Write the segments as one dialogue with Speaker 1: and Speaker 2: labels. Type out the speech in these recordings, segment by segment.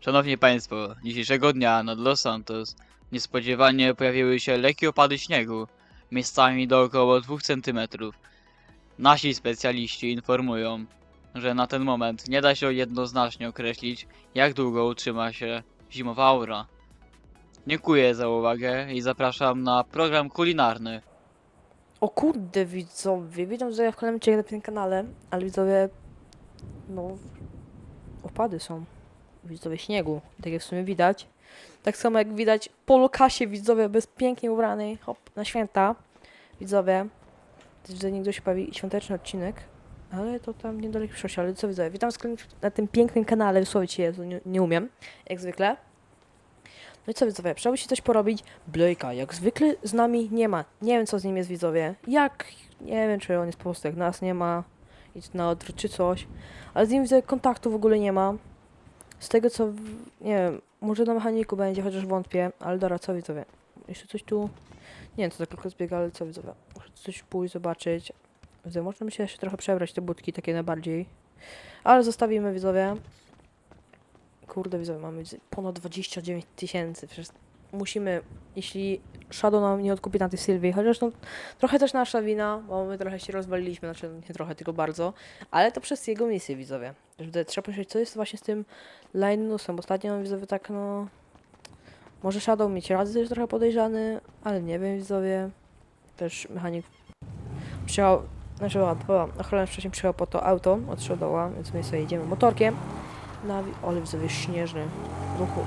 Speaker 1: Szanowni Państwo, dzisiejszego dnia nad Los Santos niespodziewanie pojawiły się lekkie opady śniegu, miejscami do około 2 cm. Nasi specjaliści informują, że na ten moment nie da się jednoznacznie określić, jak długo utrzyma się zimowa aura. Dziękuję za uwagę i zapraszam na program kulinarny.
Speaker 2: O kurde, widzowie, witam, że ja w kolejnym cię na tym kanale, ale widzowie, no, opady są, widzowie, śniegu, tak jak w sumie widać. Tak samo jak widać po Lukasie, widzowie, bez pięknie ubranej, hop, na święta, widzowie, że niegdyś się pojawi świąteczny odcinek, ale to tam niedaleko przyszłości, ale co widzowie, witam na tym pięknym kanale, wysłowić się nie umiem, jak zwykle. No i co widzowie, trzeba by się coś porobić. Blake'a jak zwykle z nami nie ma. Nie wiem co z nim jest widzowie. Nie wiem czy on jest po prostu jak nas nie ma. Idź na odwrót czy coś. Ale z nim widzę kontaktu w ogóle nie ma. Z tego co, nie wiem, może na mechaniku będzie, chociaż wątpię. Ale dobra, co widzowie. Jeszcze coś tu. Nie wiem co tak krótko zbiega, ale co widzowie. Muszę coś pójść, zobaczyć. Widzowie, można by się jeszcze trochę przebrać te budki takie najbardziej. Ale zostawimy widzowie. Kurde, widzowie, mamy ponad 29 000. Przecież musimy, jeśli Shadow nam nie odkupi na tej Sylwii, chociaż no trochę też nasza wina, bo my trochę się rozwaliliśmy, znaczy nie trochę, tylko bardzo, ale to przez jego misję, widzowie. Że trzeba pomyśleć, co jest właśnie z tym Linusem. Ostatnio, widzowie, tak no... Może Shadow mieć rację, to jest trochę podejrzany, ale nie wiem, widzowie. Też mechanik przyjechał, znaczy ochroniarz wcześniej przyjechał po to auto od Shadowa, więc my sobie jedziemy motorkiem. Ale widzowie, śnieżny ruchu.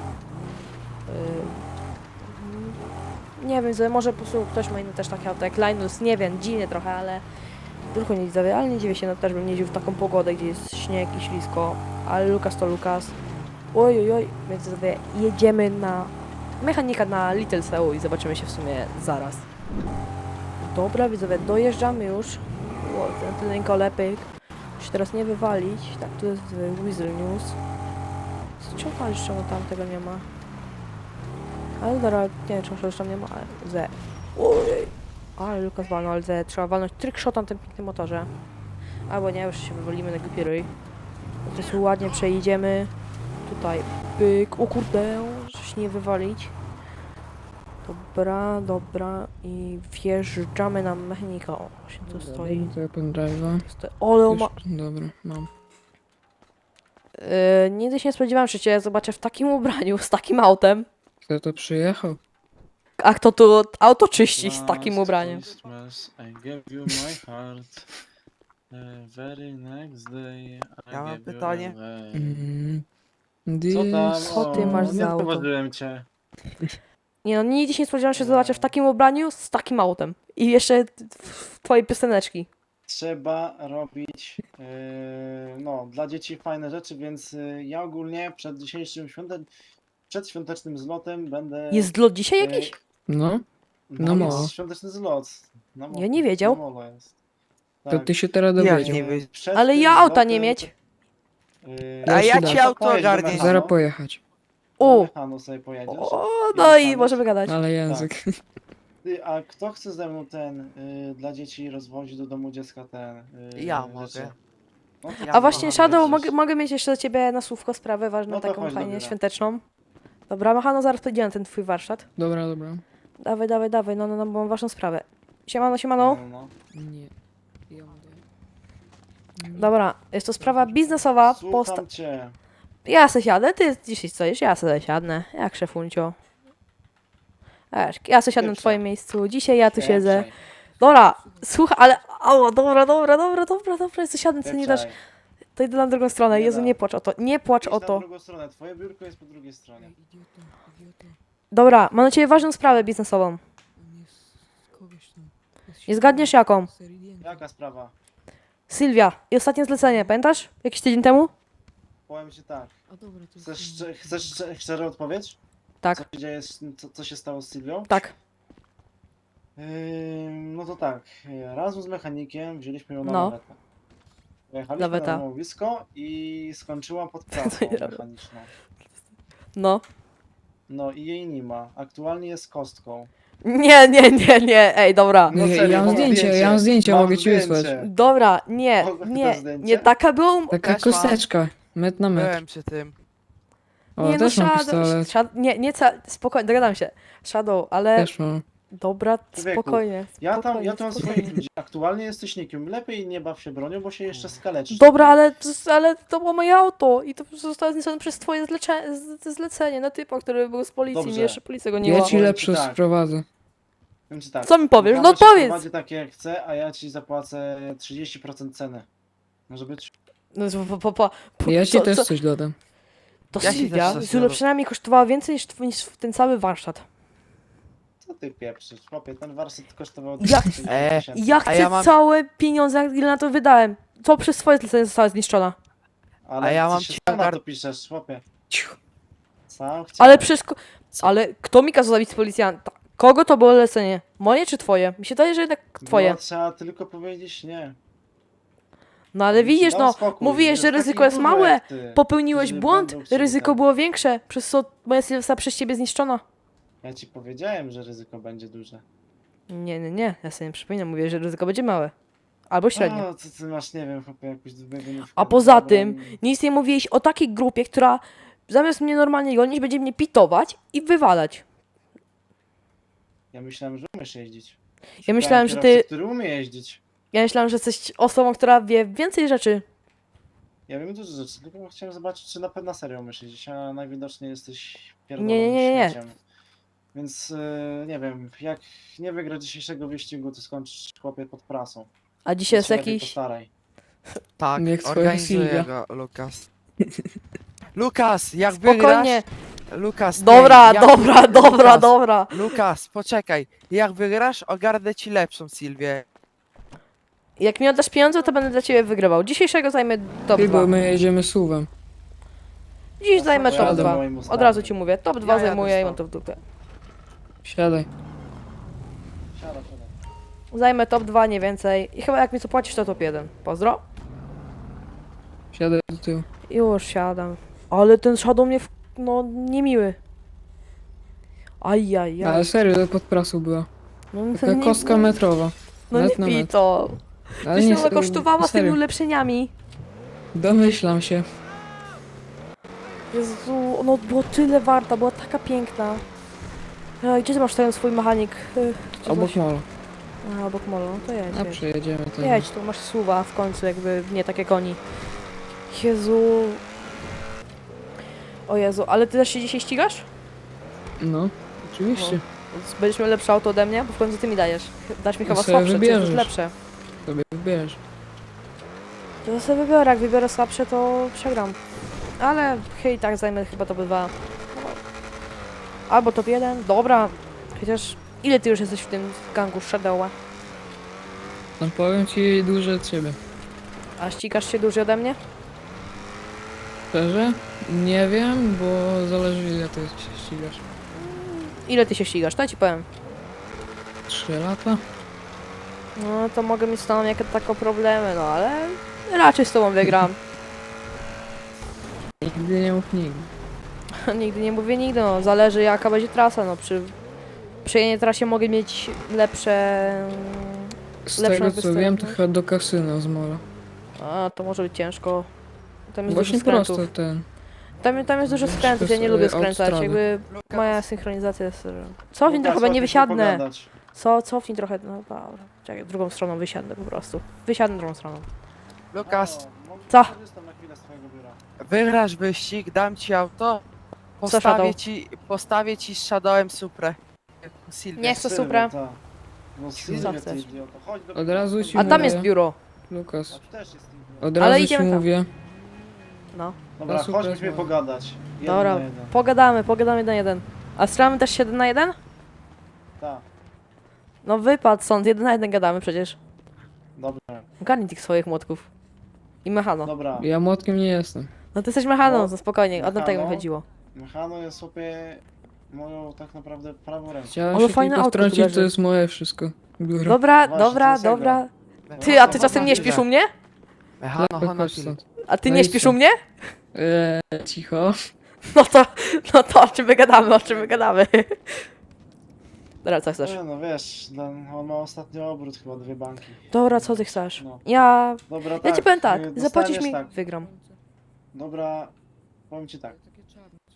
Speaker 2: Nie wiem, może po prostu ktoś ma inny też takie auto jak Linus, nie wiem, dziwnie trochę, ale ruchu nie widzowie, ale nie dziwię się, no też bym nie jeździł w taką pogodę, gdzie jest śnieg i ślisko, ale Lukas to Lukas. Oj, więc widzowie, jedziemy na mechanika na Little Seoul i zobaczymy się w sumie zaraz. Dobra widzowie, dojeżdżamy już. Ten tylko lepiej. Się teraz nie wywalić. Tak, tu jest Weasel News. Czemu jeszcze tam tego nie ma? Ale dobra, nie wiem czemu już tam nie ma, ale Z. Ojej. Ale Lukas walnął, ale Z. Trzeba walnąć trickshot na tym pięknym motorze. Albo nie, już się wywalimy na głupi ryj. Teraz ładnie przejedziemy. Tutaj pyk. O kurde, żeby się nie wywalić. Dobra. I wjeżdżamy na mechanika. O, właśnie tu stoi.
Speaker 3: To ja pendrive'a.
Speaker 2: Ale on ma...
Speaker 3: Dobra, mam.
Speaker 2: Nigdy się nie spodziewałam, że cię zobaczę w takim ubraniu, z takim autem.
Speaker 3: Kto to przyjechał?
Speaker 2: A kto tu auto czyści z takim
Speaker 4: Last
Speaker 2: ubraniem?
Speaker 4: Christmas I gave you my heart. The very next day I
Speaker 5: Ja mam
Speaker 4: gave you
Speaker 5: pytanie.
Speaker 4: away. Co tam?
Speaker 2: Co ty masz
Speaker 4: O,
Speaker 2: za
Speaker 4: nie
Speaker 2: auto?
Speaker 4: zauważyłem cię.
Speaker 2: Nie no, nigdy się nie spodziewałam, że cię zobaczę w takim ubraniu, z takim autem. I jeszcze w twojej pioseneczki.
Speaker 4: Trzeba robić no, dla dzieci fajne rzeczy, więc ja ogólnie przed dzisiejszym przedświątecznym zlotem będę...
Speaker 2: Jest lot dzisiaj jakiś?
Speaker 3: No,
Speaker 4: No,
Speaker 3: no
Speaker 4: jest
Speaker 3: molo.
Speaker 4: świąteczny zlot.
Speaker 2: Ja nie wiedział.
Speaker 4: Na molo jest.
Speaker 3: To ty się teraz
Speaker 5: Jak
Speaker 3: dowiedział.
Speaker 5: nie wiedział?
Speaker 4: Przed
Speaker 2: Ale
Speaker 4: tym
Speaker 2: ja auta
Speaker 4: zlotem
Speaker 2: nie mieć.
Speaker 3: A ja
Speaker 4: no
Speaker 5: ci
Speaker 4: to
Speaker 5: auto
Speaker 4: pojedź do
Speaker 5: ogarnię.
Speaker 4: Mechanu.
Speaker 3: Zaraz pojechać.
Speaker 2: O!
Speaker 4: Do Mechanu sobie pojedziesz.
Speaker 2: O, no i
Speaker 4: Jechać.
Speaker 2: możemy gadać.
Speaker 3: Ale język.
Speaker 4: Ty, a kto chce ze mną dla dzieci rozwozić do domu dziecka ten
Speaker 5: Ja
Speaker 4: rzeczy?
Speaker 5: mogę.
Speaker 4: No, to
Speaker 5: Ja
Speaker 2: A właśnie,
Speaker 5: mogę.
Speaker 2: Shadow,
Speaker 4: jedziesz.
Speaker 2: mogę mieć jeszcze do ciebie na słówko sprawę ważną,
Speaker 4: No to
Speaker 2: taką
Speaker 4: chodź do
Speaker 2: fajnie
Speaker 4: biura.
Speaker 2: świąteczną. Dobra, Machano, zaraz pójdziemy na ten twój warsztat.
Speaker 3: Dobra.
Speaker 2: Dawaj, no, bo mam ważną sprawę. Siemano.
Speaker 4: No.
Speaker 3: Nie. Ja mówię.
Speaker 2: Dobra, jest to sprawa biznesowa.
Speaker 4: Słucham cię.
Speaker 2: Ja se siadę, ty dzisiaj stoisz, ja se siadnę, jak szefuncio. Wiesz, ja se siadnę na
Speaker 4: Pieprzaj.
Speaker 2: twoim miejscu, dzisiaj ja tu siedzę.
Speaker 4: Pieprzaj,
Speaker 2: Dobra, słuchaj, ale, dobra, ja se siadnę, co nie dasz,
Speaker 4: pieprzaj.
Speaker 2: to idę na drugą stronę,
Speaker 4: Nie
Speaker 2: Jezu,
Speaker 4: da.
Speaker 2: nie płacz o to, nie płacz
Speaker 4: Idź
Speaker 2: o
Speaker 4: na
Speaker 2: to.
Speaker 4: drugą stronę, twoje biurko jest po drugiej stronie.
Speaker 3: Idiota.
Speaker 2: Dobra, mam na ciebie ważną sprawę biznesową.
Speaker 3: On jest z kogoś tam. Jest
Speaker 2: Nie zgadniesz jaką?
Speaker 3: Seridiego.
Speaker 4: Jaka sprawa?
Speaker 2: Sylwia, i ostatnie zlecenie, pamiętasz? Jakiś tydzień temu?
Speaker 4: Powiem ci tak.
Speaker 3: A dobra, to
Speaker 4: Chcesz szczerą odpowiedź?
Speaker 2: Tak,
Speaker 4: Co się dzieje, co się stało z Sylwią?
Speaker 2: tak,
Speaker 4: No to tak, razem z mechanikiem wzięliśmy ją na
Speaker 2: No.
Speaker 4: lawetę. Pojechaliśmy
Speaker 2: Laweta.
Speaker 4: na łowisko i skończyła pod pracą
Speaker 2: ja robię?
Speaker 4: mechaniczną.
Speaker 2: no.
Speaker 4: No i jej nie ma. Aktualnie jest kostką.
Speaker 2: Nie, ej, dobra.
Speaker 4: No
Speaker 3: Nie,
Speaker 4: serio,
Speaker 3: ja mam
Speaker 4: mam
Speaker 3: zdjęcie,
Speaker 4: Mam
Speaker 3: mogę ci wysłać.
Speaker 4: zdjęcie.
Speaker 2: Dobra, nie,
Speaker 4: Mogę to
Speaker 2: nie,
Speaker 4: zdjęcie?
Speaker 2: nie taka była
Speaker 3: Taka
Speaker 5: Też mam.
Speaker 3: kosteczka. Metr na metr.
Speaker 5: Byłem przy tym.
Speaker 3: O,
Speaker 2: Nie no,
Speaker 3: też mam
Speaker 2: Shadow,
Speaker 3: pistolet.
Speaker 2: nie, spokojnie, dogadam się. Shadow, ale
Speaker 3: Też mam.
Speaker 2: dobra,
Speaker 4: Człowieku,
Speaker 2: spokojnie,
Speaker 4: Ja tam
Speaker 2: spokojnie.
Speaker 4: swoich ludzi. Aktualnie jesteś nikim. Lepiej nie baw się bronią, bo się jeszcze skaleczysz.
Speaker 2: Dobra, ale to było moje auto i to zostało zniszczone przez twoje zlecenie na typa, który był z policji,
Speaker 4: Dobrze.
Speaker 2: mnie jeszcze policja goniła.
Speaker 3: Ja ci
Speaker 4: Powiem
Speaker 3: lepsze
Speaker 4: ci tak.
Speaker 3: sprowadzę.
Speaker 4: Więc tak.
Speaker 2: Co mi powiesz?
Speaker 4: Michał
Speaker 2: No
Speaker 4: ci
Speaker 2: powiedz!
Speaker 4: wprowadzi tak jak chce, a ja ci zapłacę 30% ceny. Może być?
Speaker 2: No,
Speaker 3: Ja ci
Speaker 2: co-
Speaker 3: też
Speaker 2: co-
Speaker 3: coś dodam.
Speaker 2: To
Speaker 5: Ja ci
Speaker 2: Sylwia,
Speaker 5: też coś
Speaker 2: z przynajmniej kosztowała więcej niż ten cały warsztat.
Speaker 4: Co ty pieprzysz? Chłopie, ten warsztat kosztował
Speaker 2: Ja-
Speaker 4: 30 tysięcy.
Speaker 2: Ja
Speaker 5: A
Speaker 2: chcę
Speaker 5: ja mam-
Speaker 2: całe pieniądze, ile na to wydałem. To przez swoje zlecenie została zniszczona.
Speaker 4: Ale
Speaker 5: A ja
Speaker 4: ty
Speaker 5: mam
Speaker 4: się
Speaker 5: ci
Speaker 4: sam na
Speaker 5: ogar-
Speaker 4: to piszesz, chłopie.
Speaker 3: Cicho.
Speaker 4: Sam
Speaker 2: Ale
Speaker 4: chciałem.
Speaker 2: wszystko... Ale kto mi kazał zabić z policjanta? Kogo to było lecenie? Moje czy twoje? Mi się wydaje, że jednak twoje.
Speaker 4: No, trzeba tylko powiedzieć nie.
Speaker 2: No ale
Speaker 4: Bym ci
Speaker 2: widzisz,
Speaker 4: dał
Speaker 2: no,
Speaker 4: spokój.
Speaker 2: mówiłeś, że
Speaker 4: Jest
Speaker 2: ryzyko
Speaker 4: taki
Speaker 2: jest
Speaker 4: dużo
Speaker 2: małe.
Speaker 4: jak ty,
Speaker 2: Popełniłeś
Speaker 4: którzy
Speaker 2: błąd,
Speaker 4: będą chcieli
Speaker 2: ryzyko
Speaker 4: tak.
Speaker 2: było większe, przez co moja Sylwia została przez ciebie zniszczona.
Speaker 4: Ja ci powiedziałem, że ryzyko będzie duże.
Speaker 2: Nie, ja sobie nie przypominam, mówię, że ryzyko będzie małe. Albo średnie.
Speaker 4: O, ty masz, nie wiem, chłopie, jakąś wymienówkę.
Speaker 2: A poza
Speaker 4: Dobra,
Speaker 2: tym, nic nie mówiłeś o takiej grupie, która zamiast mnie normalnie gonić, będzie mnie pitować i wywalać.
Speaker 4: Ja myślałem, że umiesz jeździć.
Speaker 2: Ja myślałem,
Speaker 4: Szukałem
Speaker 2: że
Speaker 4: kierowcy,
Speaker 2: ty...
Speaker 4: który umie jeździć.
Speaker 2: Ja myślałem, że jesteś osobą, która wie więcej rzeczy.
Speaker 4: Ja wiem dużo rzeczy, tylko chciałem zobaczyć, czy na pewno serio umiesz jeździć, a najwidoczniej jesteś
Speaker 2: Nie.
Speaker 4: pierdolonym śmieciem. Więc nie wiem, jak nie wygrasz dzisiejszego wyścigu, to skończysz, chłopie, pod prasą.
Speaker 2: A dzisiaj jest
Speaker 4: Więc się lepiej
Speaker 2: jakiś...
Speaker 4: postaraj.
Speaker 5: Tak,
Speaker 3: Jak swoja
Speaker 5: organizuję
Speaker 3: Sylwia.
Speaker 5: go, Lukas. Lukas, jak
Speaker 2: Spokojnie.
Speaker 5: wygrasz... Lukas,
Speaker 2: Dobra,
Speaker 5: nie, jak-
Speaker 2: dobra.
Speaker 5: Lukas, Lukas, poczekaj. Jak wygrasz, ogarnę ci lepszą Sylwię.
Speaker 2: Jak mi oddasz pieniądze, to będę dla ciebie wygrywał. Dzisiejszego zajmę top
Speaker 3: Ty,
Speaker 2: 2.
Speaker 3: bo my jedziemy suwem.
Speaker 2: Dziś zajmę top
Speaker 4: Pojadę
Speaker 2: 2.
Speaker 4: moim
Speaker 2: Od
Speaker 4: ustawem.
Speaker 2: razu ci mówię, top 2
Speaker 5: Ja jadę
Speaker 2: zajmuję i
Speaker 5: z
Speaker 2: mam
Speaker 5: tobą.
Speaker 2: to w dupie.
Speaker 3: Siadaj.
Speaker 4: Siada, siada.
Speaker 2: Zajmę top 2, nie więcej. I chyba jak mi co płacisz, to top 1. Pozdro.
Speaker 3: Siadaj do tyłu.
Speaker 2: Już siadam. Ale ten Shadow mnie no niemiły. Ajajaj.
Speaker 3: Ale serio, to pod prasą była.
Speaker 2: No,
Speaker 3: Taka kostka metrowa.
Speaker 2: No
Speaker 3: metr
Speaker 2: nie
Speaker 3: na
Speaker 2: pij
Speaker 3: metr.
Speaker 2: to.
Speaker 3: Ale
Speaker 2: Wiesz,
Speaker 3: nie,
Speaker 2: ile kosztowała z tymi
Speaker 3: serio.
Speaker 2: ulepszeniami?
Speaker 3: Domyślam się.
Speaker 2: Jezu, ono było tyle warta, była taka piękna. Gdzie ty masz ten swój mechanik? Gdzie
Speaker 3: Obok
Speaker 2: coś?
Speaker 3: molo.
Speaker 2: A, obok molo, no to jedź.
Speaker 3: A
Speaker 2: jedź.
Speaker 3: przejedziemy to.
Speaker 2: Jedź, tu masz suwa w końcu, jakby nie takie koni. Jezu. O Jezu, ale ty też się dzisiaj ścigasz?
Speaker 3: No, oczywiście.
Speaker 2: Będziesz miał lepsze auto ode mnie, bo w końcu ty mi dajesz. Dasz mi
Speaker 3: No
Speaker 2: chyba
Speaker 3: sobie
Speaker 2: słabsze, to jest
Speaker 3: wybierzesz.
Speaker 2: lepsze.
Speaker 3: Sobie wybierz.
Speaker 2: To sobie wybiorę, jak wybiorę słabsze, to przegram. Ale hej, tak zajmę chyba top 2. Albo top 1, dobra. Chociaż ile ty już jesteś w tym gangu Shadowa?
Speaker 3: No powiem ci dłużej od ciebie.
Speaker 2: A ścigasz się dłużej ode mnie?
Speaker 3: Szczerze? Nie wiem, bo zależy ile ty się ścigasz.
Speaker 2: Ile ty się ścigasz, to ja ci powiem.
Speaker 3: 3 lata?
Speaker 2: No to mogę mieć z tobą jakieś takie problemy, no ale raczej z tobą wygram.
Speaker 3: Nigdy nie mów nigdy.
Speaker 2: Nigdy nie mówię nigdy, no zależy jaka będzie trasa, no przy jednej trasie mogę mieć lepsze...
Speaker 3: Z
Speaker 2: Lepszą
Speaker 3: tego co wiem, to
Speaker 2: występność.
Speaker 3: chyba do kasyna z mola.
Speaker 2: A, to może być ciężko. Tam jest
Speaker 3: Właśnie
Speaker 2: dużo skrętów.
Speaker 3: prosto ten.
Speaker 2: Tam jest dużo
Speaker 3: Wiesz,
Speaker 2: skrętów,
Speaker 3: to
Speaker 2: ja nie
Speaker 3: jest,
Speaker 2: lubię
Speaker 3: autostrady.
Speaker 2: skręcać, jakby
Speaker 5: Lukas,
Speaker 2: moja synchronizacja jest... Cofnij
Speaker 4: Lukas,
Speaker 2: trochę, bo nie
Speaker 4: chodźmy
Speaker 2: wysiadnę.
Speaker 4: pogadać.
Speaker 2: Cofnij trochę, no dobra. Czekaj, drugą stroną wysiadnę po prostu. Wysiadnę drugą stroną.
Speaker 5: Lukas,
Speaker 2: Co?
Speaker 4: Korzystam na chwilę z twojego biura.
Speaker 5: wygrasz wyścig, dam ci auto.
Speaker 2: Shadow?
Speaker 5: Postawię ci z Shadowem Suprę. Sylwię.
Speaker 2: Nie chcę
Speaker 4: Sylwia,
Speaker 2: Supra.
Speaker 4: ta. No
Speaker 2: Co
Speaker 4: Sylwia, ty
Speaker 2: chcesz?
Speaker 4: idioto. Chodź do
Speaker 3: Od razu ci
Speaker 2: A tam
Speaker 3: mówię.
Speaker 2: jest biuro.
Speaker 4: A
Speaker 3: Lukas,
Speaker 4: tu też jest idiota.
Speaker 3: od
Speaker 2: Ale
Speaker 3: razu ci
Speaker 2: idziemy tam.
Speaker 3: mówię.
Speaker 2: No.
Speaker 4: Dobra,
Speaker 3: No super,
Speaker 4: chodź, musimy
Speaker 3: no.
Speaker 4: pogadać. Jeden
Speaker 2: Dobra,
Speaker 4: na jeden.
Speaker 2: pogadamy 1-1. A strzelamy też 1 na 1?
Speaker 4: Tak,
Speaker 2: No wypad stąd, 1 na 1 gadamy przecież.
Speaker 4: dobra,
Speaker 2: Ogarnij tych swoich młotków. I mechano.
Speaker 4: dobra.
Speaker 3: Ja młotkiem nie jestem.
Speaker 2: No ty jesteś mechaną,
Speaker 4: No,
Speaker 2: no spokojnie, o tego mi
Speaker 4: mechano.
Speaker 2: chodziło.
Speaker 4: Mechano jest sobie moją tak naprawdę prawą ręką.
Speaker 3: Chciałem
Speaker 2: Ale
Speaker 3: się
Speaker 2: fajne
Speaker 3: tylko
Speaker 2: auto tu
Speaker 3: wtrącić,
Speaker 2: leży.
Speaker 3: to jest moje wszystko. Biuro.
Speaker 2: Dobra,
Speaker 4: Właśnie,
Speaker 2: dobra,
Speaker 4: to jest jego.
Speaker 2: dobra. Ty, a ty czasem nie śpisz u mnie?
Speaker 5: Mechano,
Speaker 3: Chodź
Speaker 5: Honofil.
Speaker 3: stąd.
Speaker 2: A ty
Speaker 3: No
Speaker 2: nie
Speaker 3: i
Speaker 2: śpisz
Speaker 3: co?
Speaker 2: u mnie?
Speaker 3: Cicho.
Speaker 2: No to o czym my gadamy, o czym my gadamy. Dobra, co chcesz?
Speaker 4: Nie, no wiesz, on ma ostatnio obrót chyba 2 banki.
Speaker 2: Dobra, co ty chcesz?
Speaker 4: No.
Speaker 2: Ja
Speaker 4: Dobra,
Speaker 2: ci
Speaker 4: tak.
Speaker 2: powiem tak,
Speaker 4: dostaniesz
Speaker 2: zapłacisz mi,
Speaker 4: tak.
Speaker 2: wygram.
Speaker 4: Dobra, powiem ci tak.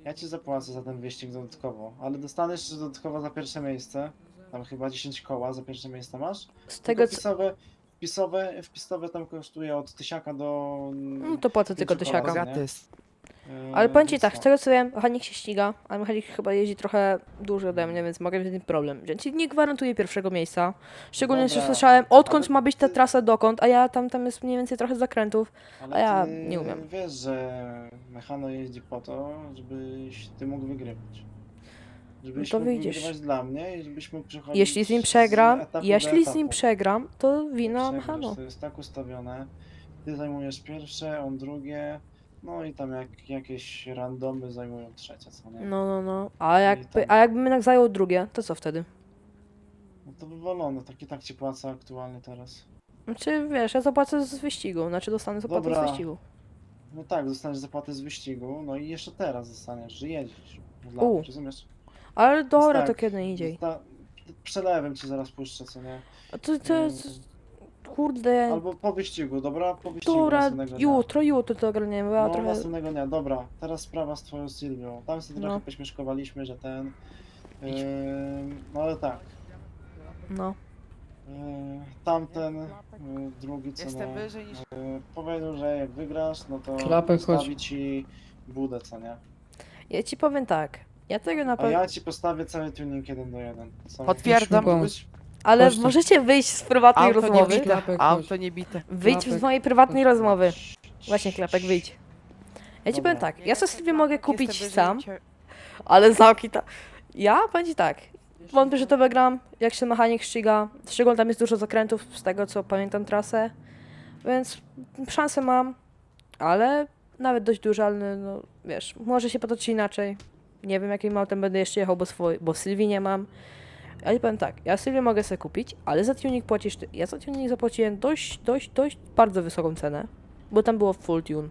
Speaker 4: Ja ci zapłacę za ten wyścig dodatkowo, ale dostaniesz jeszcze dodatkowo za pierwsze miejsce. Tam chyba 10 koła za pierwsze miejsce masz.
Speaker 2: Z
Speaker 4: Tylko
Speaker 2: tego co...
Speaker 4: wpisowe tam kosztuje od 1000 do...
Speaker 2: No to płacę tylko
Speaker 4: 5
Speaker 2: tysiaka.
Speaker 4: koła, nie?
Speaker 5: Bogaty jest.
Speaker 2: Ale powiem ci
Speaker 4: Więc
Speaker 2: tak,
Speaker 4: no.
Speaker 2: z tego co wiem, mechanik się ściga, ale mechanik chyba jeździ trochę dłużej ode mnie, więc mogę mieć z tym problem. Więc nie gwarantuję pierwszego miejsca. Szczególnie, że
Speaker 4: Dobra,
Speaker 2: słyszałem, odkąd
Speaker 4: ale
Speaker 2: ma być ta
Speaker 4: ty-
Speaker 2: trasa dokąd, a ja tam jest mniej więcej trochę zakrętów.
Speaker 4: Ale
Speaker 2: A ja
Speaker 4: ty
Speaker 2: nie umiem.
Speaker 4: wiesz, że Mechano jeździ po to, żebyś ty mógł wygrywać. Żebyś
Speaker 2: No to
Speaker 4: mógł
Speaker 2: wyjdziesz.
Speaker 4: wygrywać dla mnie i żebyś mógł przechodzić
Speaker 2: Jeśli z nim
Speaker 4: z
Speaker 2: przegram,
Speaker 4: etapu
Speaker 2: jeśli
Speaker 4: do
Speaker 2: z nim
Speaker 4: etapu.
Speaker 2: przegram, to wina
Speaker 4: Przegrasz,
Speaker 2: mechano.
Speaker 4: to jest tak ustawione. Ty zajmujesz pierwsze, on drugie, no i tam jakieś randomy zajmują trzecie, co nie?
Speaker 2: No.
Speaker 4: tam-
Speaker 2: A jakbym jednak zajął drugie, to co wtedy?
Speaker 4: No to wywalone, tak ci płacę aktualnie teraz.
Speaker 2: Znaczy, wiesz, ja zapłacę z wyścigu, znaczy dostanę zapłatę
Speaker 4: Dobra.
Speaker 2: z wyścigu.
Speaker 4: No tak, dostaniesz zapłatę z wyścigu, no i jeszcze teraz dostaniesz, że jedziesz. Dla
Speaker 2: U.
Speaker 4: mnie, rozumiesz?
Speaker 2: Ale dobra,
Speaker 4: tak,
Speaker 2: to kiedy indziej.
Speaker 4: Przelewem ci zaraz puszczę, co nie?
Speaker 2: A to jest... Kurde...
Speaker 4: Albo po wyścigu, dobra? Po wyścigu
Speaker 2: Dobra,
Speaker 4: następnego dnia.
Speaker 2: jutro to ogarniemy, bo ja
Speaker 4: No,
Speaker 2: trochę...
Speaker 4: następnego dnia, dobra. Teraz sprawa z twoją Sylwią. Tam sobie trochę
Speaker 2: No.
Speaker 4: pośmieszkowaliśmy, że ten... no ale tak.
Speaker 2: No.
Speaker 4: Tamten, drugi co
Speaker 5: Jestem
Speaker 4: nie,
Speaker 5: wyżej niż...
Speaker 4: powiedział, że jak wygrasz, no to
Speaker 3: Klapek, chodź.
Speaker 4: postawi ci budę, co nie?
Speaker 2: Ja ci powiem tak, ja tego na
Speaker 4: A
Speaker 2: pewno...
Speaker 4: ja ci postawię cały tuning 1:1. Co?
Speaker 5: Potwierdzam.
Speaker 3: Musimy
Speaker 4: Być-
Speaker 2: Ale
Speaker 3: Chodź tu.
Speaker 2: możecie wyjść z prywatnej
Speaker 5: Auto nie
Speaker 2: rozmowy?
Speaker 5: bite,
Speaker 3: Klapek,
Speaker 5: auto
Speaker 3: chodź.
Speaker 5: nie bite.
Speaker 2: Wyjdź z
Speaker 3: Klapek.
Speaker 2: mojej prywatnej rozmowy. Właśnie, Klapek, wyjdź. Ja ci
Speaker 4: Dobra.
Speaker 2: powiem tak, ja sobie mogę kupić
Speaker 5: Jestem wyżej
Speaker 2: sam,
Speaker 5: niż-
Speaker 2: ale zamki ta... Ja powiem ci tak, wątpię, że to wygram, jak się mechanik ściga. Szczególnie tam jest dużo zakrętów, z tego co pamiętam trasę. Więc szansę mam, ale nawet dość duże, ale no wiesz, może się potoczyć inaczej. Nie wiem jakim autem będę jeszcze jechał, bo Sylwii nie mam. Ja ci powiem tak, ja Sylwię mogę sobie kupić, ale za tuning płacisz ty. Ja za tuning zapłaciłem dość bardzo wysoką cenę, bo tam było full tune.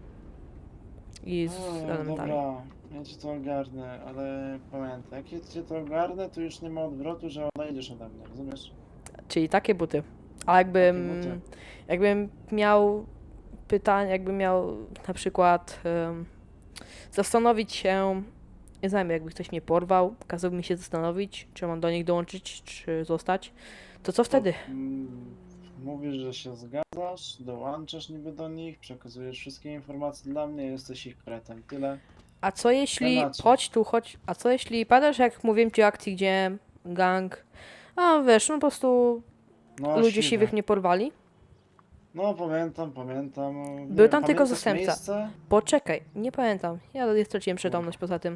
Speaker 2: I z elementami.
Speaker 4: Dobra, ja ci to ogarnę, ale pamiętaj, jak ja ci to ogarnę, to już nie ma odwrotu, że odejdziesz ode mnie, rozumiesz?
Speaker 2: Czyli takie buty. A jakbym,
Speaker 4: buty.
Speaker 2: jakbym miał pytanie, jakbym miał na przykład zastanowić się, nie znam, jakby ktoś mnie porwał, kazał mi się zastanowić, czy mam do nich dołączyć, czy zostać, to co wtedy?
Speaker 4: Mówisz, że się zgadzasz, dołączasz niby do nich, przekazujesz wszystkie informacje dla mnie, jesteś ich kretem, tyle.
Speaker 2: A co jeśli,
Speaker 4: Temacie.
Speaker 2: chodź, a co jeśli, pamiętasz jak mówiłem ci o akcji, gdzie gang, a wiesz, no po prostu
Speaker 4: No,
Speaker 2: ludzie siwych mnie porwali?
Speaker 4: No pamiętam. Nie
Speaker 2: Był
Speaker 4: wiem,
Speaker 2: tam tylko
Speaker 4: pamiętasz
Speaker 2: zastępca.
Speaker 4: miejsce?
Speaker 2: Poczekaj, nie pamiętam. Ja straciłem przytomność poza tym.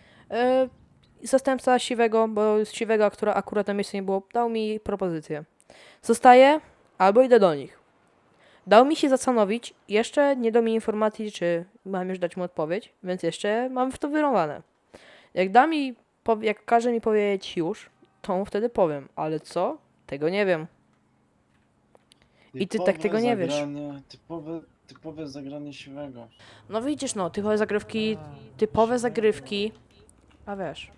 Speaker 2: Zastępca siwego, bo z siwego, która akurat na miejscu nie było, dał mi propozycję. Zostaję albo idę do nich. Dał mi się zastanowić, jeszcze nie dał mi informacji, czy mam już dać mu odpowiedź, więc jeszcze mam w to wyrąbane. Jak da mi, jak każe mi powiedzieć już, to mu wtedy powiem, ale co? Tego nie wiem. I ty tak
Speaker 4: Typowe
Speaker 2: tego nie wiesz.
Speaker 4: zagranie, typowe zagranie siwego.
Speaker 2: No widzisz, no, typowe zagrywki, a wiesz.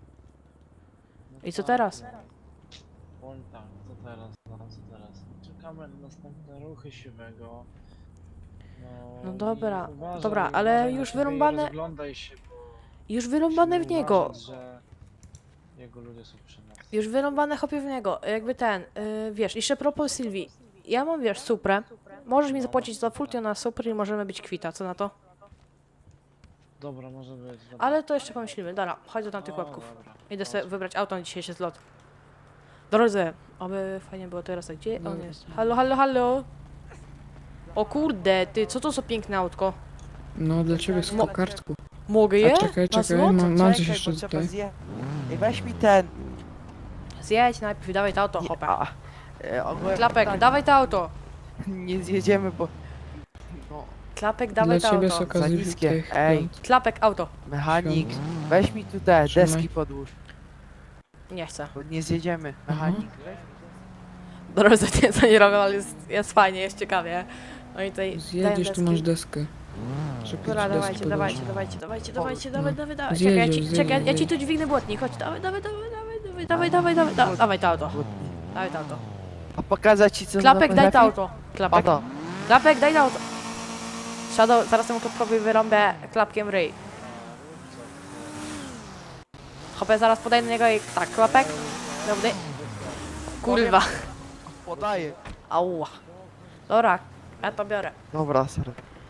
Speaker 2: I co teraz?
Speaker 4: Powiem tak, co teraz? Czekamy na następne ruchy siwego.
Speaker 2: No dobra,
Speaker 4: i uważaj,
Speaker 2: dobra, ale
Speaker 4: uważaj na
Speaker 2: już
Speaker 4: siebie i
Speaker 2: wyrąbane-
Speaker 4: rozglądaj się, bo
Speaker 2: Już wyrąbane w
Speaker 4: musimy
Speaker 2: niego.
Speaker 4: uważać, że jego ludzie są przy nas.
Speaker 2: Już wyrąbane hopie w niego. Jakby wiesz, jeszcze propos Sylwii. Ja mam, wiesz, Suprę. Możesz mi zapłacić za full tune na Supry i możemy być kwita, co na to?
Speaker 4: Dobra, może być. Dobra.
Speaker 2: Ale to jeszcze pomyślimy. Dobra, chodź do tamtych
Speaker 4: O,
Speaker 2: łapków.
Speaker 4: dobra.
Speaker 2: Idę sobie wybrać auto na dzisiejszy zlot. Drodzy, oby fajnie było teraz. A gdzie on jest? Halo? O kurde, ty, co to za piękne autko?
Speaker 3: No dla ciebie z kokardku.
Speaker 2: Mogę je?
Speaker 3: A czekaj,
Speaker 2: Na
Speaker 3: czekaj,
Speaker 2: zlot?
Speaker 3: mam coś
Speaker 5: Czekaj,
Speaker 3: jeszcze
Speaker 5: bo trzeba
Speaker 3: tutaj.
Speaker 5: Ej, weź mi ten.
Speaker 2: Zjedź najpierw, dawaj to auto,
Speaker 5: Nie,
Speaker 2: hopę.
Speaker 5: ogólnie
Speaker 2: Klapek,
Speaker 5: tak,
Speaker 2: dawaj to auto.
Speaker 5: nie zjedziemy, bo... No,
Speaker 2: Klapek,
Speaker 3: Dla
Speaker 2: dawaj to
Speaker 3: ciebie z
Speaker 2: auto.
Speaker 3: okazji
Speaker 5: Za niskie.
Speaker 3: tych
Speaker 5: Ej.
Speaker 3: piąt.
Speaker 2: Klapek, auto.
Speaker 5: mechanik,
Speaker 3: Świąt.
Speaker 5: weź mi tu te
Speaker 3: Trzymaj.
Speaker 5: deski podłóż,
Speaker 2: Nie chcę.
Speaker 5: bo nie zjedziemy. Mechanik.
Speaker 2: Drodzy, to nie robią, ale jest fajnie, jest ciekawie. Oni tutaj dają
Speaker 3: Zjedziesz, tu
Speaker 2: deski.
Speaker 3: masz deskę. Żeby
Speaker 2: Dobra,
Speaker 3: ci deski
Speaker 2: dawajcie,
Speaker 3: podłożyć.
Speaker 2: dawaj,
Speaker 3: No.
Speaker 2: dawaj.
Speaker 3: Zjedziesz,
Speaker 2: Czekaj, ja ci
Speaker 3: zjedziesz.
Speaker 2: tu dźwignę błotnik, chodź, dawaj to auto. Dawaj to auto.
Speaker 5: A pokazać ci co
Speaker 2: Klapek,
Speaker 5: ono
Speaker 2: daj to
Speaker 5: potrafi?
Speaker 2: auto. Klapek,
Speaker 5: Oto.
Speaker 2: Klapek, daj to auto. Shadow, zaraz temu klapkowi wyrąbę klapkiem ryj. Hopę, zaraz podejdę do niego i tak, klapek. Dobry. Kurwa.
Speaker 5: Podaję.
Speaker 2: Ała. Dobra, ja to biorę.
Speaker 5: Dobra, sorry.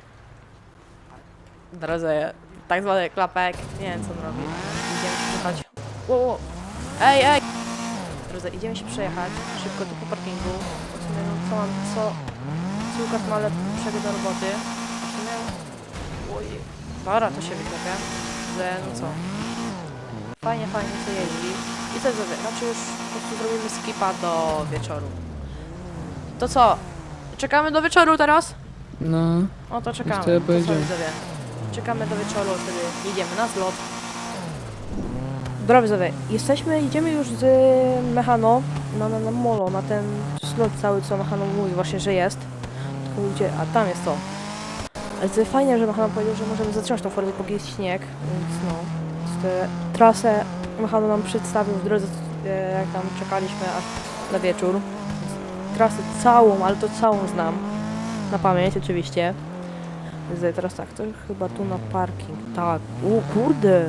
Speaker 2: Drodzy, tak zwany klapek. Nie wiem co on robi. Idziemy się przejechać. Wow. Ej! Drodzy, idziemy się przejechać. Szybko tu po parkingu. W sumie, no co mam, co Łukasz ma lepszego do roboty. W sumie... Oj. Dobra, to się wyklepia. Że, no co. Fajnie co jeździ. I co zrobię? Znaczy już po prostu zrobimy skipa do wieczoru. To co? Czekamy do wieczoru teraz?
Speaker 3: No,
Speaker 2: No to czekamy.
Speaker 3: wtedy
Speaker 2: To co,
Speaker 3: pojedziemy.
Speaker 2: widzowie? Czekamy do wieczoru, wtedy jedziemy na zlot. Dobra widzowie, idziemy już z Mechano na molo, na ten zlot cały, co Mechano mówi właśnie, że jest. Tylko gdzie? A tam jest to. Ale to fajnie, że Mechano powiedział, że możemy zatrzymać tą formę, póki jest śnieg, więc no. Tę trasę Mechano nam przedstawił w drodze, jak tam czekaliśmy aż na wieczór. Trasę całą, ale to całą znam. Na pamięć oczywiście. Więc teraz tak, to chyba tu na parking. Tak. O kurde!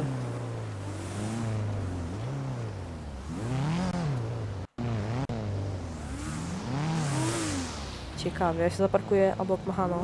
Speaker 2: Ciekawie, ja się zaparkuję obok Mechano.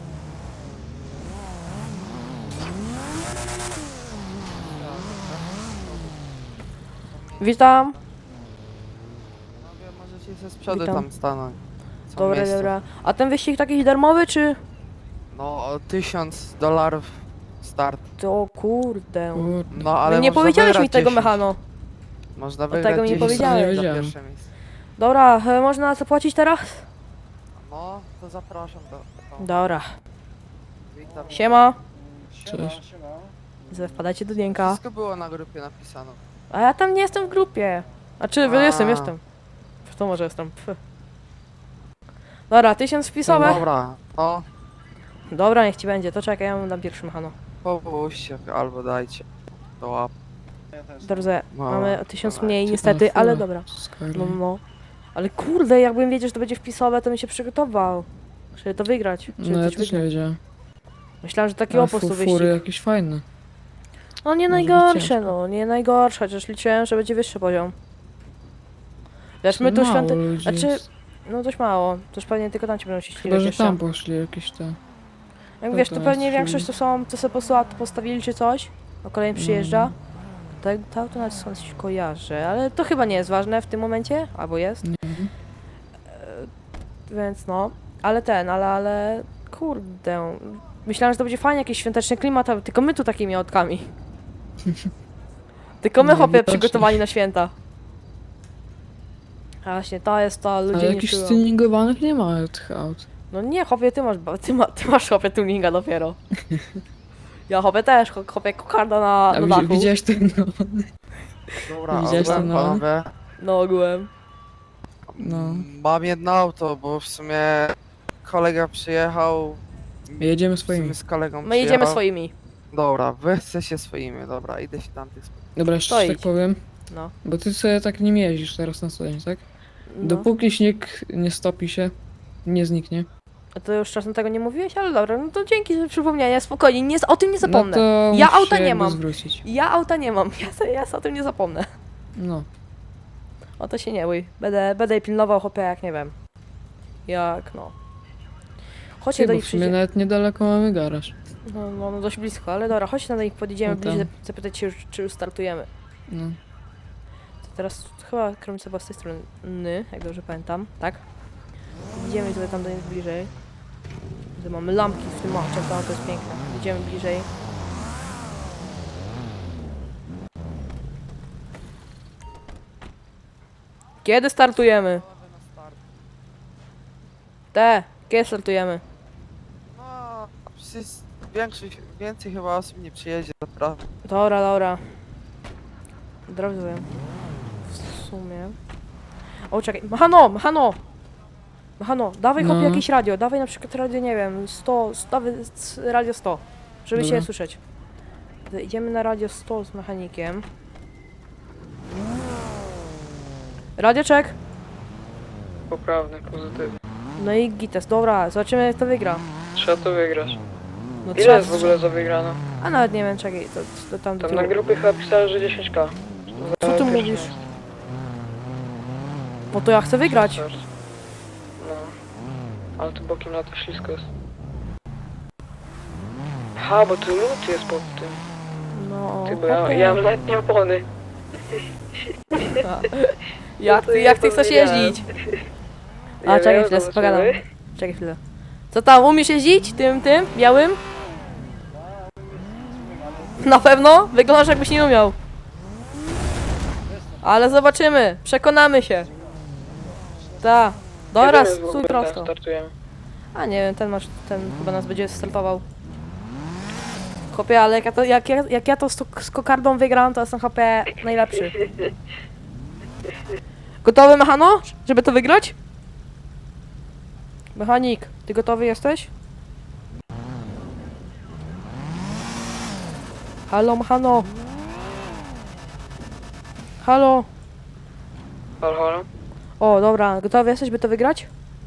Speaker 2: Witam!
Speaker 5: Panowie, możecie się z przodu
Speaker 2: Witam.
Speaker 5: tam stanąć. Są
Speaker 2: Dobra,
Speaker 5: miejsca.
Speaker 2: dobra. A ten wyścig taki darmowy, czy?
Speaker 5: No, o $1000 start.
Speaker 2: To kurde.
Speaker 3: Kurde.
Speaker 5: No, ale
Speaker 2: nie
Speaker 5: można
Speaker 2: powiedziałeś mi
Speaker 5: wygrać
Speaker 2: tego
Speaker 5: 10.
Speaker 2: Mechano.
Speaker 5: Można
Speaker 2: tego
Speaker 5: wygrać
Speaker 2: mi nie
Speaker 5: 10
Speaker 2: powiedziałeś.
Speaker 5: za
Speaker 3: Wiedziałem.
Speaker 5: pierwsze miejsce.
Speaker 2: Dobra, można zapłacić teraz?
Speaker 5: No, to zapraszam do...
Speaker 2: Dobra.
Speaker 5: Witam.
Speaker 2: Siema.
Speaker 4: Siema,
Speaker 3: Cześć.
Speaker 4: siema.
Speaker 2: Wpadajcie do Dienka.
Speaker 5: Wszystko było na grupie napisane.
Speaker 2: A ja tam nie jestem w grupie. Znaczy,
Speaker 5: A.
Speaker 2: jestem. To może jestem. Pff. Dobra, 1000 wpisowe.
Speaker 5: Dobra, no,
Speaker 2: Dobra, niech ci będzie. To czekaj, ja mam na pierwszy Mechano.
Speaker 5: popuśćcie albo dajcie do łap.
Speaker 4: Ja też.
Speaker 2: Dobrze,
Speaker 5: No,
Speaker 2: mamy o 1000
Speaker 5: dawajcie.
Speaker 2: mniej niestety, ale
Speaker 3: chwila.
Speaker 2: dobra.
Speaker 3: Skyline.
Speaker 2: No. Ale kurde, jakbym wiedział, że to będzie wpisowe, to bym się przygotował. Żeby to wygrać. Żeby
Speaker 3: No ja
Speaker 2: coś
Speaker 3: też nie
Speaker 2: wygrać.
Speaker 3: wiedziałem.
Speaker 2: Myślałem, że taki
Speaker 3: A
Speaker 2: opus to wyścig.
Speaker 3: fury jakieś fajne.
Speaker 2: No nie
Speaker 3: Może być
Speaker 2: najgorsze,
Speaker 3: ciężko.
Speaker 2: no. Nie najgorsze, chociaż liczyłem, że będzie wyższy poziom. Wiesz, my tu
Speaker 3: Mało
Speaker 2: świąty...
Speaker 3: ludzi
Speaker 2: Znaczy,
Speaker 3: jest.
Speaker 2: no dość mało. Toż pewnie tylko tam ci będą się
Speaker 3: Chyba,
Speaker 2: ścigać
Speaker 3: że
Speaker 2: jeszcze.
Speaker 3: tam poszli jakieś te...
Speaker 2: Jak
Speaker 3: to
Speaker 2: wiesz, to
Speaker 3: tam
Speaker 2: pewnie
Speaker 3: jest
Speaker 2: większość to są, co sobie postawili czy coś, a kolejny przyjeżdża. To auto nawet skądś kojarzę, ale to chyba nie jest ważne w tym momencie, albo jest,
Speaker 3: Nie wiem.
Speaker 2: więc no. Ale kurde, myślałem, że to będzie fajnie, jakiś świąteczny klimat, a tylko my tu takimi autkami. Tylko my
Speaker 3: No,
Speaker 2: chłopie
Speaker 3: widocznie.
Speaker 2: przygotowani na święta. A właśnie, to jest to, ludzie
Speaker 3: Ale
Speaker 2: nie
Speaker 3: jakichś
Speaker 2: czują.
Speaker 3: tuningowanych nie ma tych aut.
Speaker 2: No nie, chłopie, ty masz chłopie tuninga dopiero. Ja chłopie też, chłopie kokarda na
Speaker 3: A
Speaker 2: dachu.
Speaker 3: widziałeś ten no.
Speaker 5: Dobra,
Speaker 3: Widziałeś to,
Speaker 5: ogółem,
Speaker 3: no?
Speaker 5: panowie.
Speaker 2: No ogółem.
Speaker 3: No.
Speaker 5: Mam jedno auto, bo w sumie kolega przyjechał.
Speaker 3: Jedziemy
Speaker 5: W sumie
Speaker 3: swoimi.
Speaker 5: z kolegą
Speaker 2: My jedziemy
Speaker 5: przyjechał.
Speaker 2: swoimi.
Speaker 5: Dobra, wy chcecie swoimi, dobra, idę się tamtych spotkać.
Speaker 3: Dobra, jeszcze
Speaker 2: To
Speaker 3: tak
Speaker 2: idź.
Speaker 3: powiem.
Speaker 2: No.
Speaker 3: Bo ty sobie tak nim jeździsz teraz na co dzień, tak?
Speaker 2: No.
Speaker 3: Dopóki śnieg nie stopi się, nie zniknie.
Speaker 2: A to już czasem tego nie mówiłeś, ale dobra, no to dzięki za przypomnienie, spokojnie, o tym nie zapomnę.
Speaker 3: No to
Speaker 2: Ja
Speaker 3: musisz
Speaker 2: auta
Speaker 3: się
Speaker 2: nie
Speaker 3: jakby
Speaker 2: mam.
Speaker 3: zwrócić.
Speaker 2: Ja auta nie mam, ja o tym nie zapomnę.
Speaker 3: No.
Speaker 2: O to się nie bój, będę jej pilnował, chłopie, jak nie wiem. Jak, no. Chodźcie
Speaker 3: Ty,
Speaker 2: do
Speaker 3: bo
Speaker 2: nich
Speaker 3: w sumie
Speaker 2: przyjdzie.
Speaker 3: nawet niedaleko mamy garaż.
Speaker 2: No dość blisko, ale dobra, chodźcie do nich, podjedziemy
Speaker 3: No
Speaker 2: bliżej,
Speaker 3: tam.
Speaker 2: zapytać się, czy już startujemy.
Speaker 3: No.
Speaker 2: To teraz chyba kierownica była z tej strony, jak dobrze pamiętam, tak? Idziemy sobie tam do nich bliżej. Tutaj mamy lampki w tym aucie, to jest piękne. Idziemy bliżej. Kiedy startujemy? Kiedy startujemy?
Speaker 5: No, przecież więcej chyba osób nie przyjedzie, naprawdę.
Speaker 2: Dobra. Dobrze. W sumie. O, czekaj. Machano, dawaj chłopie
Speaker 3: No.
Speaker 2: jakieś radio. Dawaj na przykład radio, nie wiem, 100, dawaj radio 100, żeby
Speaker 3: Dobra.
Speaker 2: się słyszeć. To idziemy na radio 100 z mechanikiem. Radio check.
Speaker 6: Poprawny, pozytywny.
Speaker 2: No i gites, dobra, zobaczymy kto wygra.
Speaker 6: Trzeba to wygrać.
Speaker 2: No
Speaker 6: Ile jest w ogóle za wygraną?
Speaker 2: A nawet nie wiem, czekaj, to tam do
Speaker 6: Tam na
Speaker 2: tyłu.
Speaker 6: grupie chyba pisałem, że 10k.
Speaker 2: Co ty mówisz? No to ja chcę wygrać.
Speaker 6: No. Ale tu bokiem na to ślisko jest. Aha, bo tu lód jest pod tym.
Speaker 2: No.
Speaker 6: Ty, bo ja mam letnie opony.
Speaker 2: Jak ty chcesz jeździć? A, czekaj chwilę, pogadam. Czekaj chwilę. Co tam, umiesz jeździć? Tym, białym? Na pewno? Wyglądasz jakbyś nie umiał. Ale zobaczymy, przekonamy się. Ta. Dobra, stój prosto.
Speaker 6: Startujemy.
Speaker 2: A nie wiem, ten chyba nas będzie startował. Chłopie, ale jak ja to z kokardą wygram, to jestem chłopie najlepszy. Gotowy, Mechano? Żeby to wygrać? Mechanik, ty gotowy jesteś? Halo, Mechano. Halo.
Speaker 6: Halo, halo?
Speaker 2: O, dobra, gotowy jesteś, by to wygrać?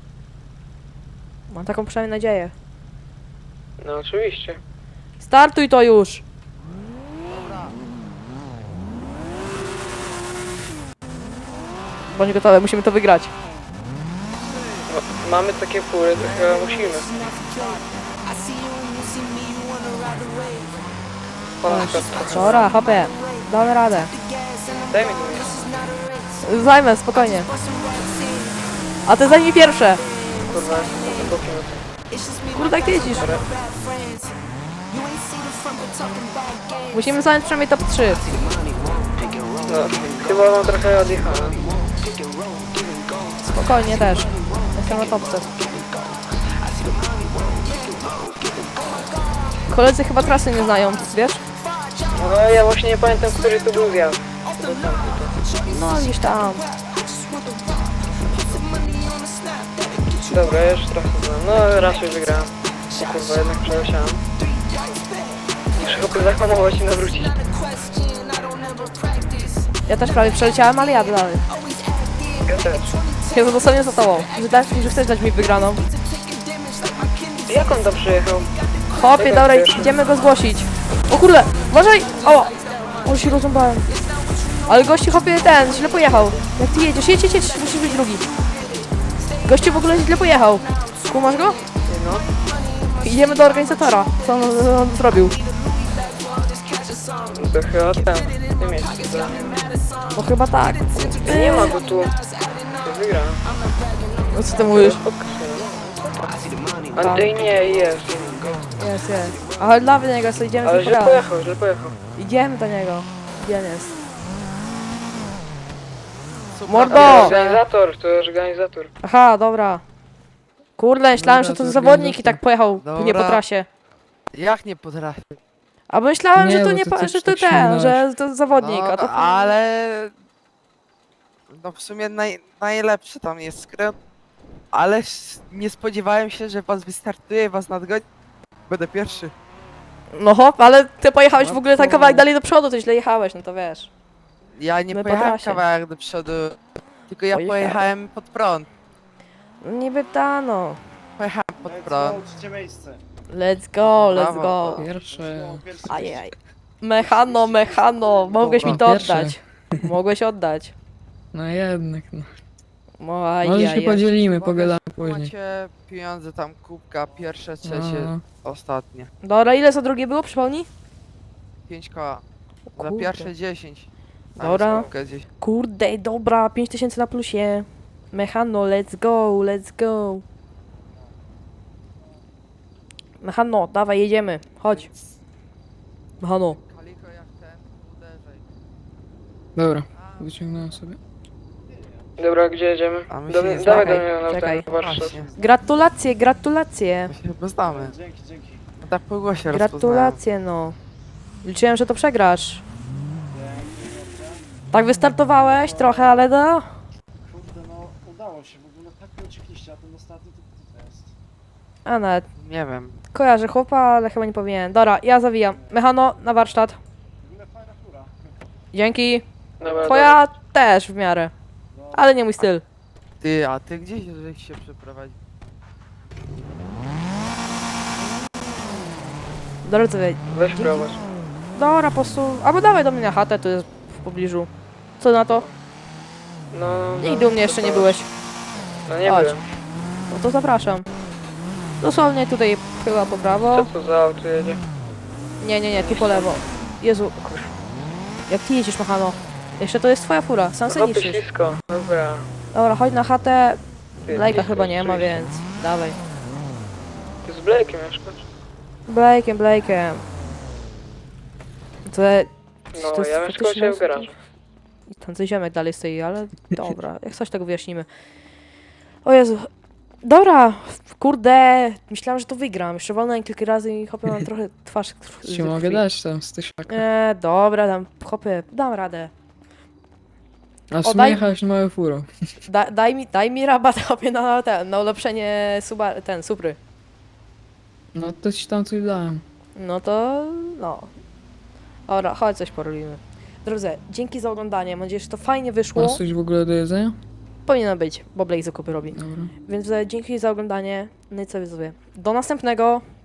Speaker 2: Mam taką przynajmniej nadzieję.
Speaker 6: No oczywiście.
Speaker 2: Startuj to już! Bądź gotowy, musimy to wygrać.
Speaker 6: No, mamy takie fury, to chyba musimy. Pana światła.
Speaker 2: Dobra, hopie, damy radę.
Speaker 6: Daj mi to miejsce.
Speaker 2: Zajmę, spokojnie. A ty zajmij pierwsze.
Speaker 6: Kurwa, jestem bokiem na tym.
Speaker 2: Kurde, jak ty jeździsz? Musimy zająć przynajmniej top 3.
Speaker 6: No, chyba mam trochę odjechane.
Speaker 2: Spokojnie też. Jestem na topce. Koledzy chyba trasy nie znają, wiesz?
Speaker 6: No ja właśnie nie pamiętam, który tu był zjazd.
Speaker 2: No gdzieś tam.
Speaker 6: Dobra, ja już trochę znam. No raz już wygrałem. O kurwa, jednak przeleciałem. Muszę chyba zahamować i nawrócić.
Speaker 2: Ja też prawie przeleciałem, ale jadę dalej.
Speaker 6: Ja też.
Speaker 2: Jezu, dosłownie za tobą. Że chcesz dać mi wygraną.
Speaker 6: Jak on tam przyjechał?
Speaker 2: Chłopie, dobra, idziemy go zgłosić. O kurde, uważaj! O, się rozrąbałem. Ale gościu, chłopie, źle pojechał. Jak ty jedziesz, jedź, musisz być drugi. Gościu w ogóle źle pojechał. Kumasz go?
Speaker 6: No.
Speaker 2: Idziemy do organizatora. Co on zrobił?
Speaker 6: No to chyba ten. W tym miejscu.
Speaker 2: No chyba tak.
Speaker 6: Nie ma go tu. To wygrałem.
Speaker 2: No co ty mówisz?
Speaker 6: A ty nie, jest.
Speaker 2: Jest. Ale dla niego, co idziemy
Speaker 6: Ale
Speaker 2: z
Speaker 6: źle
Speaker 2: nim
Speaker 6: pojechał, źle pojechał.
Speaker 2: Idziemy do niego. Gdzie on jest?
Speaker 5: Super.
Speaker 2: Mordo!
Speaker 6: Organizator, to jest organizator.
Speaker 2: Aha, dobra. Kurde, myślałem, że to
Speaker 3: to
Speaker 2: zawodnik i tak pojechał
Speaker 5: Dobra.
Speaker 2: nie po trasie.
Speaker 5: Jak nie potrafię?
Speaker 2: A myślałem,
Speaker 3: Nie,
Speaker 2: że to
Speaker 3: bo
Speaker 2: nie,
Speaker 3: to
Speaker 2: że
Speaker 3: coś
Speaker 2: to
Speaker 3: tak
Speaker 2: ten,
Speaker 3: śmignąłeś.
Speaker 2: że to zawodnik,
Speaker 5: No,
Speaker 2: a to...
Speaker 5: ale... No w sumie najlepszy tam jest skręt. Ale nie spodziewałem się, że was wystartuje, was nadgoni. Będę pierwszy.
Speaker 2: No hop, ale ty pojechałeś w
Speaker 5: No
Speaker 2: ogóle tak
Speaker 5: to-
Speaker 2: kawałek dalej do przodu, to źle jechałeś, no to wiesz.
Speaker 5: Ja nie
Speaker 2: My po
Speaker 5: pojechałem
Speaker 2: trasie.
Speaker 5: kawałek do przodu. Tylko ja
Speaker 2: Pojechałeś.
Speaker 5: pojechałem pod prąd.
Speaker 2: Niby ta, no.
Speaker 5: Pojechałem pod
Speaker 4: Let's
Speaker 5: prąd.
Speaker 4: go, trzecie miejsce.
Speaker 2: Let's go, let's
Speaker 5: Brawo.
Speaker 2: go.
Speaker 3: Pierwsze.
Speaker 4: No, pierwszy
Speaker 2: Ajaj. Mechano, mogłeś mi to
Speaker 3: Pierwszy.
Speaker 2: oddać. Mogłeś oddać.
Speaker 3: No jednak, no.
Speaker 2: No
Speaker 3: Może się
Speaker 2: ajaj.
Speaker 3: podzielimy, pogadamy później.
Speaker 5: Macie pieniądze tam, kubka, pierwsze, trzecie,
Speaker 3: No.
Speaker 5: ostatnie.
Speaker 2: Dobra, ile za drugie było, przypomnij?
Speaker 5: 5 koła. Za
Speaker 2: Kurde.
Speaker 5: pierwsze 10. Tam
Speaker 2: Dobra.
Speaker 5: jest kubka gdzieś.
Speaker 2: Kurde, dobra, 5000 na plusie. Mechano, let's go, let's go. Mechano, dawaj, jedziemy. Chodź. Mechano.
Speaker 5: Kaliko jak ten, uderzaj.
Speaker 3: Dobra, wyciągnąłem sobie.
Speaker 6: Dobra, gdzie jedziemy?
Speaker 5: A my się nie
Speaker 6: Dawaj do
Speaker 2: znamy.
Speaker 6: mnie na
Speaker 2: Czekaj.
Speaker 6: ten warsztat.
Speaker 5: Właśnie,
Speaker 2: Gratulacje, gratulacje.
Speaker 5: my się chyba znamy.
Speaker 4: Dzięki.
Speaker 5: No tak po głosie rozpoznałem.
Speaker 2: Gratulacje, no. Liczyłem, że to przegrasz.
Speaker 4: Dzięki.
Speaker 2: Tak wystartowałeś trochę, ale no.
Speaker 4: Kurde, no udało się, w ogóle tak nie uciekliście, a ten ostatni to jest.
Speaker 2: A nawet
Speaker 5: Nie wiem.
Speaker 2: kojarzę chłopa, ale chyba nie powinien. Dobra, ja zawijam. Mechano, na warsztat.
Speaker 4: W ogóle fajna fura.
Speaker 2: Dzięki.
Speaker 6: Dobra,
Speaker 2: Twoja też w miarę. Ale nie mój styl.
Speaker 5: Ty, a ty gdzieś żeś się przeprowadził?
Speaker 2: Dobra, co wie.
Speaker 6: Weź prowadź.
Speaker 2: Dobra, po prostu. Albo dawaj do mnie na chatę, tu jest w pobliżu. Co na to?
Speaker 6: No,
Speaker 2: Nigdy u mnie jeszcze nie byłeś.
Speaker 6: No nie
Speaker 2: Chodź.
Speaker 6: byłem.
Speaker 2: No to zapraszam. Dosłownie tutaj chyba po prawo.
Speaker 6: Co to za auto jedzie?
Speaker 2: Nie, tu po lewo. Jezu. Jak ty jedziesz, Machano? Jeszcze to jest twoja fura, sam
Speaker 6: No
Speaker 2: se
Speaker 6: to
Speaker 2: niszczysz.
Speaker 6: ślisko. Dobra.
Speaker 2: Dobra, chodź na chatę.
Speaker 6: Ty,
Speaker 2: Blake'a
Speaker 6: blisko
Speaker 2: chyba nie ma,
Speaker 6: oczywiście.
Speaker 2: więc dawaj.
Speaker 6: Ty z Blake'em mieszkasz?
Speaker 2: Blake'em. To
Speaker 6: No,
Speaker 2: to jest
Speaker 6: ja mieszkam u
Speaker 2: faktycznie
Speaker 6: ciebie w garażu.
Speaker 2: ten co ziomek dalej stoi, ale dobra, jak coś tego wyjaśnimy. O Jezu. Dobra, kurde, myślałam, że to wygram. Jeszcze walnąłem kilka razy i hopę mam trochę twarz.
Speaker 3: Ci mogę dać tam z tysiaka.
Speaker 2: Dobra, tam hopy, dam radę.
Speaker 3: A w
Speaker 2: O,
Speaker 3: sumie
Speaker 2: daj-
Speaker 3: jechałeś moją furą.
Speaker 2: Daj mi rabat hopie na ulepszenie Supry.
Speaker 3: No to ci tam coś dałem.
Speaker 2: No to, no. Dobra, chodź coś porobimy. Drodzy, dzięki za oglądanie. Mam nadzieję, że to fajnie wyszło.
Speaker 3: Masz coś w ogóle do jedzenia?
Speaker 2: Powinno być, bo Blake zakupy robi.
Speaker 3: Dobra.
Speaker 2: Więc dzięki za oglądanie. No i co widzowie. Do następnego.